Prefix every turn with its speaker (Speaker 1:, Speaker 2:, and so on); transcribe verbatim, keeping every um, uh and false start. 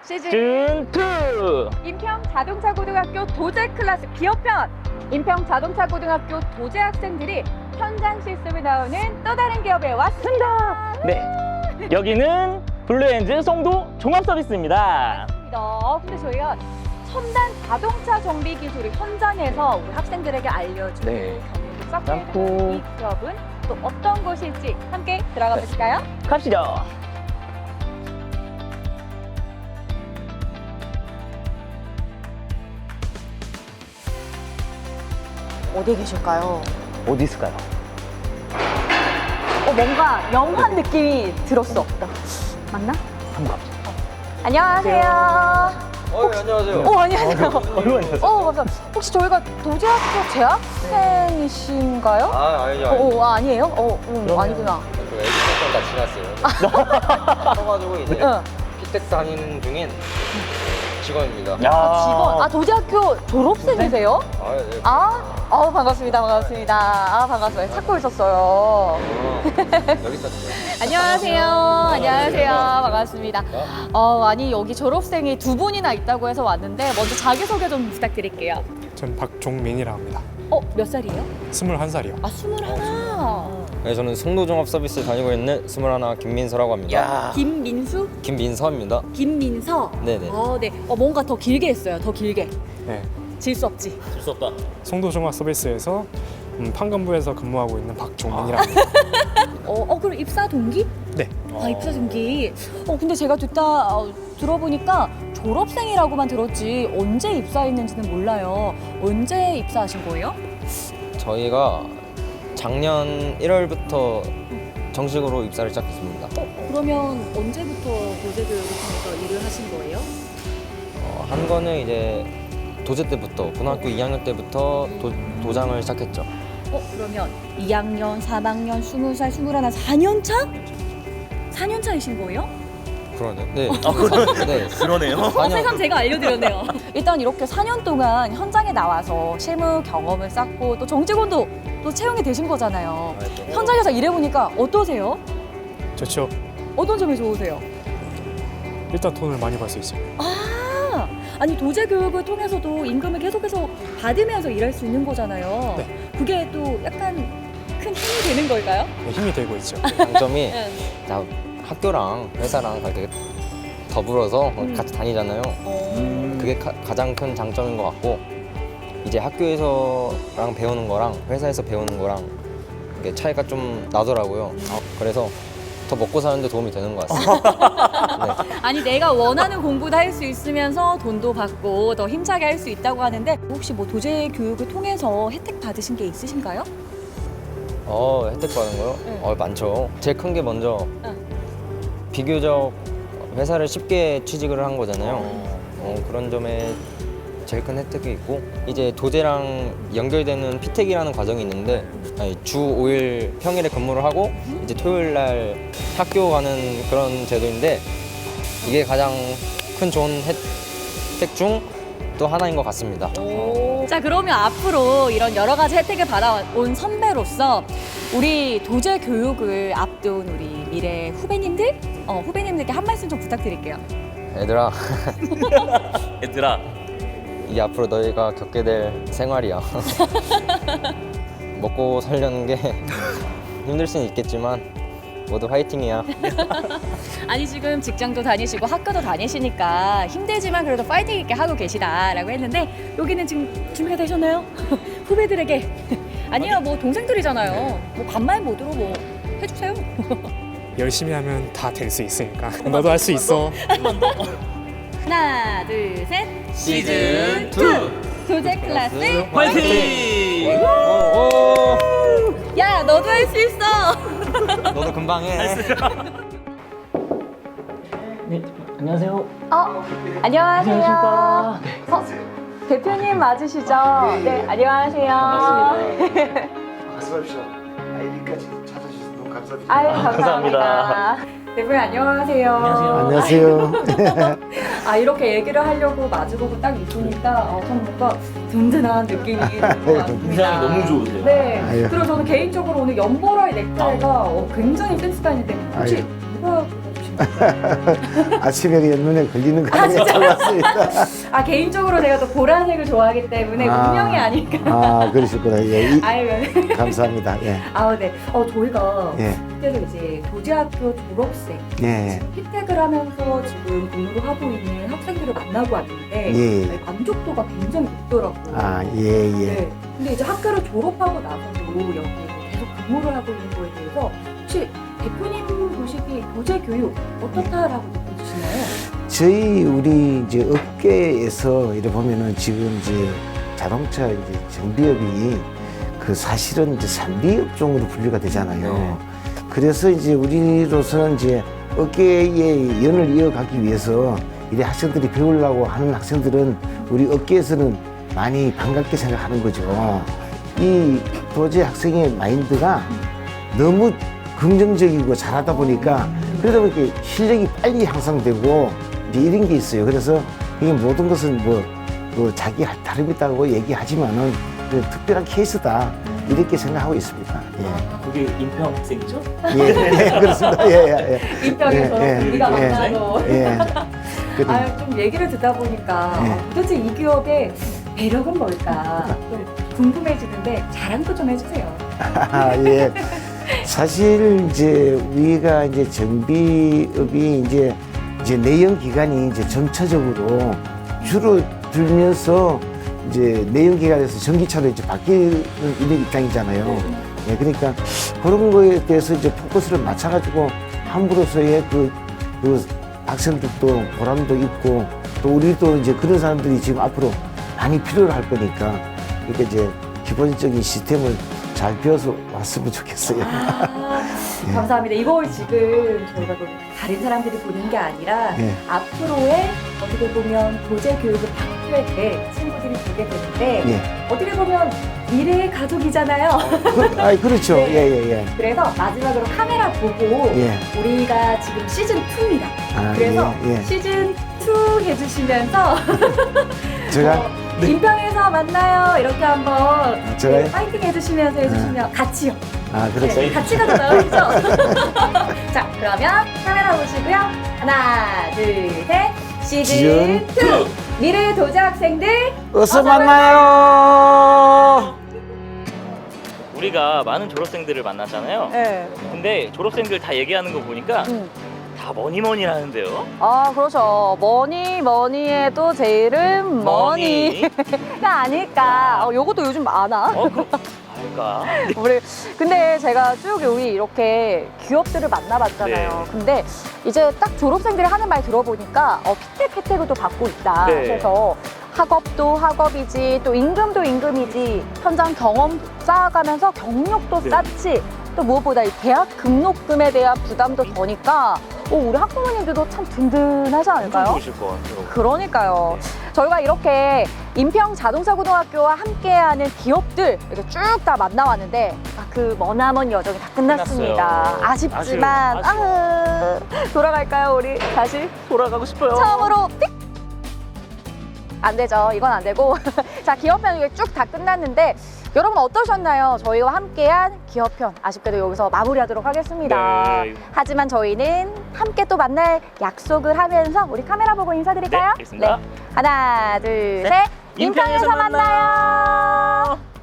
Speaker 1: 시즌
Speaker 2: 준 투!
Speaker 1: 인평 자동차 고등학교 도제 클래스 기업편. 인평 자동차 고등학교 도제 학생들이 현장 실습을 나오는 또 다른 기업에 왔습니다.
Speaker 2: 네, 여기는 블루엔즈 송도 종합서비스입니다.
Speaker 1: 맞습니다. 근데 저희가 첨단 자동차 정비 기술을 현장에서 우리 학생들에게 알려주고
Speaker 2: 네.
Speaker 1: 경험을 쌓고
Speaker 2: 쌓고.
Speaker 1: 있는 이 기업은 또 어떤 곳일지 함께 들어가
Speaker 2: 네.
Speaker 1: 보실까요?
Speaker 2: 갑시다.
Speaker 1: 어디 계실까요?
Speaker 2: 어디 있을까요?
Speaker 1: 어, 뭔가 영화 느낌이 들었어. 맞나?
Speaker 2: 한번 가보자.
Speaker 1: 안녕하세요.
Speaker 3: 어, 네, 안녕하세요.
Speaker 1: 어, 안녕하세요.
Speaker 2: 얼마 있었어요?
Speaker 1: 어, 감사합니다. 혹시 저희가 도제학교 재학생이신가요?
Speaker 3: 아, 아니죠.
Speaker 1: 어,
Speaker 3: 아니죠.
Speaker 1: 어, 아니에요? 어, 음,
Speaker 2: 그러면-
Speaker 1: 아니구나.
Speaker 3: 저 애기 다 지났어요. 써가지고 이제
Speaker 1: 응.
Speaker 3: 피텍 다니는 중인 직원입니다.
Speaker 2: 야,
Speaker 1: 아, 직원. 아, 도제학교 졸업생이세요?
Speaker 3: 아, 네.
Speaker 1: 아, 어, 반갑습니다. 반갑습니다. 아, 반갑습니다. 찾고 있었어요.
Speaker 3: 어, 여기 있었어요.
Speaker 1: 안녕하세요. 안녕하세요. 반갑습니다. 어, 아니, 여기 졸업생이 두 분이나 있다고 해서 왔는데, 먼저 자기소개 좀 부탁드릴게요.
Speaker 4: 전 박종민이라고 합니다.
Speaker 1: 어, 몇 살이에요?
Speaker 4: 스물한 살이요.
Speaker 1: 아, 스물하나.
Speaker 3: 네, 저는 송도종합 서비스 다니고 있는 스물하나 김민서라고 합니다.
Speaker 2: 야,
Speaker 1: 김민수?
Speaker 3: 김민서입니다.
Speaker 1: 김민서?
Speaker 3: 네네.
Speaker 1: 어, 네. 어, 뭔가 더 길게 했어요. 더 길게.
Speaker 4: 네.
Speaker 1: 질 수 없지.
Speaker 2: 질수 없다.
Speaker 4: 송도종합 서비스에서 음, 판관부에서 근무하고 있는 박종민이라고 합니다.
Speaker 1: 어, 어, 그럼 입사 동기?
Speaker 4: 네.
Speaker 1: 아, 입사 동기. 어, 근데 제가 듣다 어, 들어보니까 졸업생이라고만 들었지 언제 입사했는지는 몰라요. 언제 입사하신 거예요?
Speaker 3: 저희가 작년 일월부터 정식으로 입사를 시작했습니다.
Speaker 1: 어, 그러면 언제부터 도제교육을 통해서 일을 하신 거예요?
Speaker 3: 어, 한 거는 이제 도제 때부터, 고등학교 이 학년 때부터 도, 도장을 시작했죠.
Speaker 1: 어, 그러면 이 학년, 삼 학년, 스무 살, 스물하나, 사 년 차? 사 년 차이신 거예요?
Speaker 3: 그러네. 네. 아, 그러네. 네.
Speaker 2: 그러네요.
Speaker 1: 어, 세상 제가 알려드렸네요. 일단 이렇게 사 년 동안 현장에 나와서 실무 경험을 쌓고 또 정직원도 또 채용이 되신 거잖아요. 현장에서 일해보니까 어떠세요?
Speaker 4: 좋죠.
Speaker 1: 어떤 점이 좋으세요?
Speaker 4: 일단 돈을 많이 벌 수 있어요.
Speaker 1: 아, 아니 도제 교육을 통해서도 임금을 계속해서 받으면서 일할 수 있는 거잖아요.
Speaker 4: 네.
Speaker 1: 그게 또 약간 큰 힘이 되는 걸까요?
Speaker 4: 네, 힘이 되고 있죠.
Speaker 3: 장점이
Speaker 1: 응.
Speaker 3: 나 학교랑 회사랑 갈 때 더불어서
Speaker 1: 음.
Speaker 3: 같이 다니잖아요.
Speaker 1: 어.
Speaker 3: 그게 가, 가장 큰 장점인 것 같고 이제 학교에서랑 배우는 거랑 회사에서 배우는 거랑 이게 차이가 좀 나더라고요. 그래서 더 먹고 사는데 도움이 되는 것 같습니다. 네.
Speaker 1: 아니 내가 원하는 공부도 할 수 있으면서 돈도 받고 더 힘차게 할 수 있다고 하는데 혹시 뭐 도제 교육을 통해서 혜택 받으신 게 있으신가요?
Speaker 3: 어, 혜택 받은 거요?
Speaker 1: 응.
Speaker 3: 어, 많죠. 제일 큰 게 먼저
Speaker 1: 응.
Speaker 3: 비교적 회사를 쉽게 취직을 한 거잖아요. 어, 그런 점에 제일 큰 혜택이 있고 이제 도제랑 연결되는 피텍이라는 과정이 있는데 아니, 주 오 일 평일에 근무를 하고 이제 토요일 날 학교 가는 그런 제도인데 이게 가장 큰 좋은 혜택 중 또 하나인 것 같습니다.
Speaker 1: 자 그러면 앞으로 이런 여러 가지 혜택을 받아온 선배로서 우리 도제 교육을 앞둔 우리 미래 후배님들, 어, 후배님들께 한 말씀 좀 부탁드릴게요.
Speaker 3: 얘들아,
Speaker 2: 얘들아,
Speaker 3: 이게 앞으로 너희가 겪게 될 생활이야. 먹고 살려는 게 힘들 수는 있겠지만 모두 화이팅이야.
Speaker 1: 아니 지금 직장도 다니시고 학교도 다니시니까 힘들지만 그래도 파이팅 있게 하고 계시다라고 했는데 여기는 지금 준비가 되셨나요? 후배들에게 아니요 뭐 동생들이잖아요. 뭐 반말 모드로 뭐 해주세요.
Speaker 4: 열심히 하면 다 될 수 있으니까. 너도 할 수 있어.
Speaker 1: 하나 둘 셋
Speaker 2: 시즌 투
Speaker 1: 도제 클래스
Speaker 2: 화이팅!
Speaker 3: 오, 오.
Speaker 1: 야 너도 할 수 있어.
Speaker 3: 너도 금방 해.
Speaker 2: 네, 안녕하세요.
Speaker 1: 어 안녕하세요.
Speaker 2: 안녕하십니까.
Speaker 1: 어, 대표님 맞으시죠? 네 안녕하세요.
Speaker 2: 반갑습니다.
Speaker 5: 말씀하십시오. 아이디까지 찾아주셔서 너무 감사드립니다.
Speaker 1: 아유 감사합니다.
Speaker 2: 감사합니다.
Speaker 1: 대표님 안녕하세요.
Speaker 2: 안녕하세요.
Speaker 5: 안녕하세요.
Speaker 1: 아 이렇게 얘기를 하려고 마주보고 딱 있으니까 어, 좀 뭔가 든든한 느낌이 드는 것 같습니다.
Speaker 2: 인상이 너무 좋으세요.
Speaker 1: 네.
Speaker 5: 아유.
Speaker 1: 그리고 저는 개인적으로 오늘 연보라의 넥타이가 어, 굉장히 센스가 있는데 혹시
Speaker 5: 아유.
Speaker 1: 누가 골라주신
Speaker 2: 아침에 그냥 눈에 걸리는 거
Speaker 1: 아,
Speaker 2: 하나
Speaker 1: 진짜?
Speaker 2: 잡았습니다.
Speaker 1: 아 개인적으로 제가 또 보라색을 좋아하기 때문에
Speaker 2: 아.
Speaker 1: 운명이 아닐까.
Speaker 2: 아, 그러셨구나. 예, 이-
Speaker 1: 아유,
Speaker 2: 감사합니다. 예,
Speaker 1: 아, 네. 어, 저희가
Speaker 2: 예,
Speaker 1: 그때도 이제 도제학교 졸업생
Speaker 2: 예,
Speaker 1: 지금 피택을 하면서 지금 공부를 하고 있는 학생들을 만나고 왔는데
Speaker 2: 예.
Speaker 1: 네, 만족도가 굉장히 높더라고요.
Speaker 2: 아, 예, 예.
Speaker 1: 네. 근데 이제 학교를 졸업하고 나서도 여기 계속 근무를 하고 있는 거에 대해서 혹시 대표님 보시기 도제 교육 어떻다라고 느껴지시나요?
Speaker 2: 저희 우리 이제 업계에서 이래 보면은 지금 이제 자동차 이제 정비업이 그 사실은 이제 삼비 업종으로 분류가 되잖아요.
Speaker 3: 네.
Speaker 2: 그래서 이제 우리로서는 이제 업계의 연을 이어가기 위해서 이래 학생들이 배우려고 하는 학생들은 우리 업계에서는 많이 반갑게 생각하는 거죠. 이 도제 학생의 마인드가 너무 긍정적이고 잘하다 보니까 그러다 보니까 실력이 빨리 향상되고 이제 이런 게 있어요. 그래서 이게 모든 것은 뭐, 뭐 자기 다름있다고 얘기하지만은 그 특별한 케이스다 이렇게 생각하고 있습니다. 예,
Speaker 6: 그게 인평 학생이죠?
Speaker 2: 예, 예, 그렇습니다. 예, 예, 예.
Speaker 1: 인평에서
Speaker 2: 예, 예,
Speaker 1: 우리가
Speaker 2: 예.
Speaker 1: 만나도
Speaker 2: 예. 그래도
Speaker 1: 아유, 좀 얘기를 듣다 보니까
Speaker 2: 네.
Speaker 1: 아, 도대체 이 기업의 매력은 뭘까 좀 궁금해지는데 자랑도 좀 해주세요.
Speaker 2: 아, 예. 사실 이제 우리가 이제 정비업이 이제 이제 내연 기간이 이제 점차적으로 줄어들면서 이제 내연 기간에서 전기차로 이제 바뀌는 이런 입장이잖아요. 예, 그러니까 그런 거에 대해서 이제 포커스를 맞춰가지고 함으로써의 그, 그 학생들도 보람도 있고 또 우리도 이제 그런 사람들이 지금 앞으로 많이 필요로 할 거니까 그러니까 이제 기본적인 시스템을 잘 배워서 왔으면 좋겠어요.
Speaker 1: 아, 감사합니다. 이걸 지금 저희가 뭐 다른 사람들이 보는 게 아니라
Speaker 2: 예.
Speaker 1: 앞으로의 어떻게 보면 도제 교육을 받게 될 친구들이 보게 되는데
Speaker 2: 예.
Speaker 1: 어떻게 보면 미래의 가족이잖아요.
Speaker 2: 그, 아, 그렇죠.
Speaker 1: 네.
Speaker 2: 예, 예, 예.
Speaker 1: 그래서 마지막으로 카메라 보고
Speaker 2: 예.
Speaker 1: 우리가 지금 시즌 이입니다.
Speaker 2: 아,
Speaker 1: 그래서
Speaker 2: 예, 예.
Speaker 1: 시즌 이 해주시면서
Speaker 2: 제가
Speaker 1: 어, 인평에서 만나요 이렇게 한번
Speaker 2: 제가요?
Speaker 1: 네, 파이팅 해주시면서 해주시면 같이요.
Speaker 2: 아, 그렇죠.
Speaker 1: 네, 같이 가도 나오죠. 자, 그러면 카메라 보시고요. 하나, 둘, 셋. 시즌
Speaker 2: 시즌
Speaker 1: 이 미래 도제 학생들
Speaker 2: 어서
Speaker 1: 어서
Speaker 2: 만나요.
Speaker 6: 우리가 많은 졸업생들을 만났잖아요.
Speaker 1: 네.
Speaker 6: 근데 졸업생들 다 얘기하는 거 보니까
Speaker 1: 음.
Speaker 6: 다 머니머니 하는데요.
Speaker 1: 아, 그렇죠. 뭐니 뭐니 해도 제 이름 머니가 아닐까. 어, 요것도 요즘 많아.
Speaker 6: 어, 그, 알까?
Speaker 1: 우리 근데 제가 쭉 여기 이렇게 기업들을 만나봤잖아요.
Speaker 6: 네.
Speaker 1: 근데 이제 딱 졸업생들이 하는 말 들어보니까 어, 피택 혜택을 또 받고 있다.
Speaker 6: 네.
Speaker 1: 그래서 학업도 학업이지 또 임금도 임금이지 현장 경험 쌓아가면서 경력도
Speaker 6: 네.
Speaker 1: 쌓지 또 무엇보다 이 대학 등록금에 대한 부담도 더니까 어, 우리 학부모님들도 참 든든하지
Speaker 6: 엄청
Speaker 1: 않을까요?
Speaker 6: 좋으실 것 같아요.
Speaker 1: 그러니까요. 저희가 이렇게 인평 자동차고등학교와 함께하는 기업들 이렇게 쭉 다 만나왔는데 아, 그 머나먼 여정이 다 끝났습니다.
Speaker 6: 끝났어요.
Speaker 1: 아쉽지만
Speaker 6: 아쉬워,
Speaker 1: 아, 돌아갈까요 우리 다시
Speaker 6: 돌아가고 싶어요.
Speaker 1: 처음으로 띡! 안 되죠. 이건 안 되고 자 기업편 이게 쭉 다 끝났는데 여러분 어떠셨나요? 저희와 함께한 기업편 아쉽게도 여기서 마무리하도록 하겠습니다.
Speaker 6: 네.
Speaker 1: 하지만 저희는 함께 또 만날 약속을 하면서 우리 카메라 보고 인사드릴까요?
Speaker 6: 네, 알겠습니다.
Speaker 1: 하나, 둘,
Speaker 6: 셋.
Speaker 1: 셋.
Speaker 6: 인평에서
Speaker 1: 인평에서 만나요.